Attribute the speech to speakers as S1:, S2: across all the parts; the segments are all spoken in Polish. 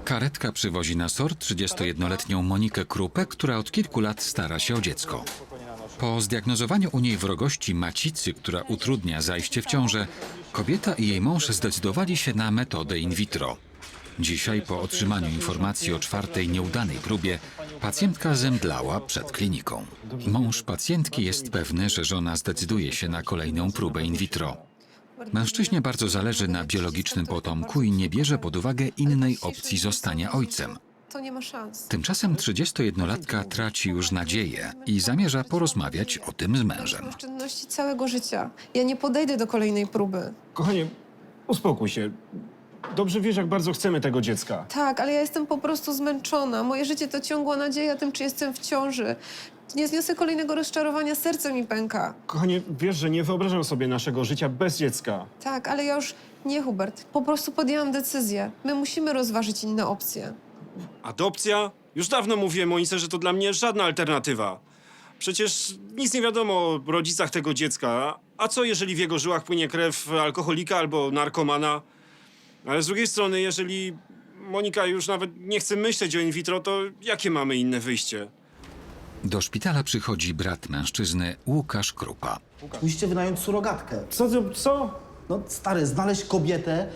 S1: Karetka przywozi na SOR 31-letnią Monikę Krupę, która od kilku lat stara się o dziecko. Po zdiagnozowaniu u niej wrogości macicy, która utrudnia zajście w ciążę, kobieta i jej mąż zdecydowali się na metodę in vitro. Dzisiaj, po otrzymaniu informacji o czwartej nieudanej próbie, pacjentka zemdlała przed kliniką. Mąż pacjentki jest pewny, że żona zdecyduje się na kolejną próbę in vitro. Mężczyźnie bardzo zależy na biologicznym potomku i nie bierze pod uwagę innej opcji zostania ojcem.
S2: To nie ma szans.
S1: Tymczasem 31-latka traci już nadzieję i zamierza porozmawiać o tym z mężem.
S2: Oszczędności całego życia. Ja nie podejdę do kolejnej próby.
S3: Kochanie, uspokój się. Dobrze wiesz, jak bardzo chcemy tego dziecka.
S2: Tak, ale ja jestem po prostu zmęczona. Moje życie to ciągła nadzieja tym, czy jestem w ciąży. Nie zniosę kolejnego rozczarowania, serce mi pęka.
S3: Kochanie, wiesz, że nie wyobrażam sobie naszego życia bez dziecka.
S2: Tak, ale ja już nie, Hubert. Po prostu podjęłam decyzję. My musimy rozważyć inne opcje.
S4: Adopcja? Już dawno mówiłem Monice, że to dla mnie żadna alternatywa. Przecież nic nie wiadomo o rodzicach tego dziecka. A co, jeżeli w jego żyłach płynie krew alkoholika albo narkomana? Ale z drugiej strony, jeżeli Monika już nawet nie chce myśleć o in vitro, to jakie mamy inne wyjście?
S1: Do szpitala przychodzi brat mężczyzny, Łukasz Krupa.
S5: Musicie wynająć surogatkę.
S3: Co?
S5: No stary, znaleźć kobietę,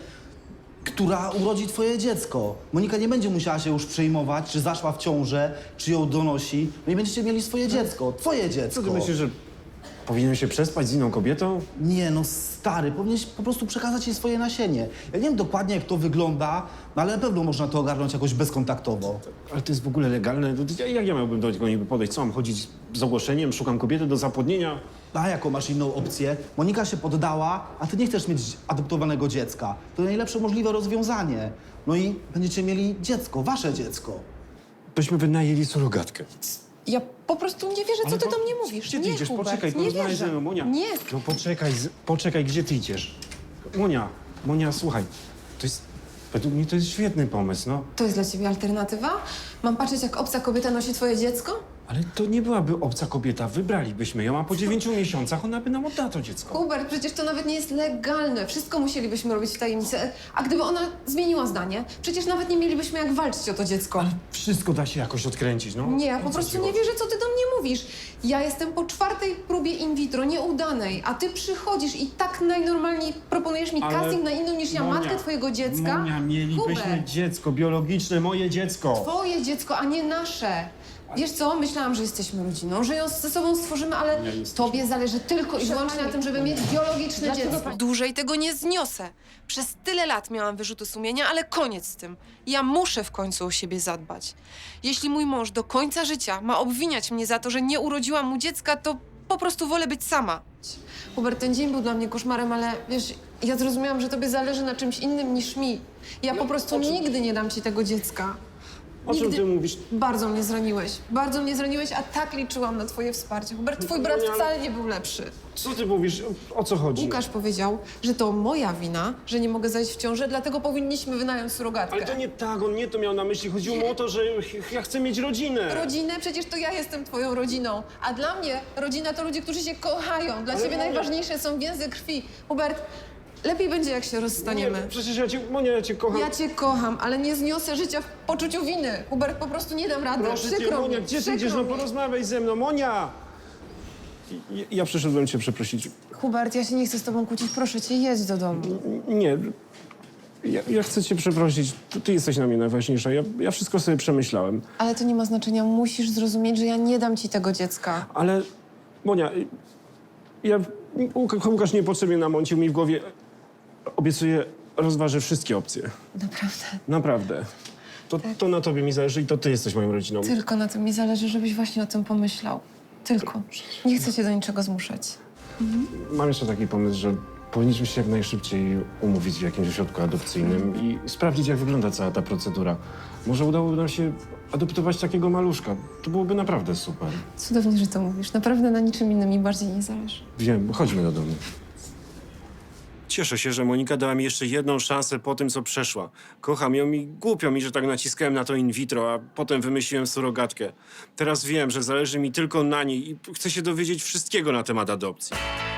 S5: która urodzi twoje dziecko. Monika nie będzie musiała się już przejmować, czy zaszła w ciążę, czy ją donosi. No i będziecie mieli swoje dziecko, twoje dziecko.
S3: Co ty myślisz, że powinienem się przespać z inną kobietą?
S5: Nie no stary, powinieneś po prostu przekazać jej swoje nasienie. Ja nie wiem dokładnie, jak to wygląda, no ale na pewno można to ogarnąć jakoś bezkontaktowo.
S3: Ale to jest w ogóle legalne. Jak ja miałbym do tego niby podejść? Co, mam chodzić z ogłoszeniem? Szukam kobiety do zapłodnienia?
S5: A jaką masz inną opcję? Monika się poddała, a ty nie chcesz mieć adoptowanego dziecka. To najlepsze możliwe rozwiązanie. No i będziecie mieli dziecko, wasze dziecko.
S3: Byśmy wynajęli surogatkę.
S2: Ja po prostu nie wierzę, co ty do mnie mówisz.
S3: Gdzie ty
S2: Nie,
S3: idziesz?
S2: Hubert,
S3: Poczekaj,
S2: nie
S3: porozmawiaj
S2: wierzę.
S3: ze mną, Monia.
S2: Nie.
S3: No poczekaj, gdzie ty idziesz? Monia, słuchaj, według mnie to jest świetny pomysł, no.
S2: To jest dla ciebie alternatywa? Mam patrzeć, jak obca kobieta nosi twoje dziecko?
S3: Ale to nie byłaby obca kobieta, wybralibyśmy ją, a po 9 miesiącach ona by nam oddała to dziecko.
S2: Hubert, przecież to nawet nie jest legalne. Wszystko musielibyśmy robić w tajemnicy. A gdyby ona zmieniła zdanie, przecież nawet nie mielibyśmy jak walczyć o to dziecko.
S3: Ale wszystko da się jakoś odkręcić, no.
S2: Nie, ja
S3: O
S2: po
S3: co
S2: prostu
S3: ci
S2: nie
S3: chodzi?
S2: wierzę, co ty do mnie mówisz. Ja jestem po czwartej próbie in vitro, nieudanej, a ty przychodzisz i tak najnormalniej proponujesz mi
S3: Ale
S2: casting na inną niż ja,
S3: Monia,
S2: matkę twojego dziecka.
S3: Monia, mielibyśmy
S2: Hubert,
S3: dziecko biologiczne, moje dziecko.
S2: twoje dziecko, a nie nasze. Wiesz co, myślałam, że jesteśmy rodziną, że ją ze sobą stworzymy, ale
S3: Nie jesteśmy.
S2: tobie zależy tylko i wyłącznie na tym, żeby mieć biologiczne dziecko.
S6: Dłużej tego nie zniosę. Przez tyle lat miałam wyrzuty sumienia, ale koniec z tym. Ja muszę w końcu o siebie zadbać. Jeśli mój mąż do końca życia ma obwiniać mnie za to, że nie urodziłam mu dziecka, to po prostu wolę być sama.
S2: Hubert, ten dzień był dla mnie koszmarem, ale wiesz, ja zrozumiałam, że tobie zależy na czymś innym niż mi. Ja po prostu nigdy nie dam ci tego dziecka.
S3: O czym ty mówisz?
S2: Bardzo mnie zraniłeś, a tak liczyłam na twoje wsparcie. Hubert, twój brat wcale nie był lepszy.
S3: Co ty mówisz? O co chodzi?
S2: Łukasz powiedział, że to moja wina, że nie mogę zajść w ciążę, dlatego powinniśmy wynająć surogatkę.
S3: Ale to nie tak, on nie to miał na myśli. Chodziło mu o to, że ja chcę mieć rodzinę.
S2: Rodzinę? Przecież to ja jestem twoją rodziną. A dla mnie rodzina to ludzie, którzy się kochają. Dla ciebie
S3: Monia-
S2: najważniejsze są więzy krwi. Hubert, lepiej będzie, jak się rozstaniemy.
S3: Nie, przecież ja cię kocham.
S2: Ja cię kocham, ale nie zniosę życia w poczuciu winy. Hubert, po prostu nie dam rady.
S3: Proszę cię,
S2: Przykro
S3: Monia,
S2: mi,
S3: gdzie ty
S2: przykro
S3: idziesz? No
S2: mi.
S3: porozmawiaj ze mną, Monia! Ja przyszedłem cię przeprosić.
S2: Hubert, ja się nie chcę z tobą kłócić. Proszę cię, jedź do domu.
S3: Nie, ja chcę cię przeprosić. Ty jesteś na mnie najważniejsza. Ja wszystko sobie przemyślałem.
S2: Ale to nie ma znaczenia. Musisz zrozumieć, że ja nie dam ci tego dziecka.
S3: Ale, Monia, Łukasz niepotrzebnie namącił mi w głowie. Obiecuję, rozważę wszystkie opcje.
S2: Naprawdę.
S3: Naprawdę. To na tobie mi zależy i to ty jesteś moją rodziną.
S2: Tylko na tym mi zależy, żebyś właśnie o tym pomyślał. Tylko. Nie chcę cię do niczego zmuszać.
S3: Mam jeszcze taki pomysł, że powinniśmy się jak najszybciej umówić w jakimś ośrodku adopcyjnym i sprawdzić, jak wygląda cała ta procedura. Może udałoby nam się adoptować takiego maluszka. To byłoby naprawdę super.
S2: Cudownie, że to mówisz. Naprawdę na niczym innym mi bardziej nie zależy.
S3: Wiem, chodźmy do domu.
S4: Cieszę się, że Monika dała mi jeszcze jedną szansę po tym, co przeszła. Kocham ją i głupio mi, że tak naciskałem na to in vitro, a potem wymyśliłem surogatkę. Teraz wiem, że zależy mi tylko na niej i chcę się dowiedzieć wszystkiego na temat adopcji.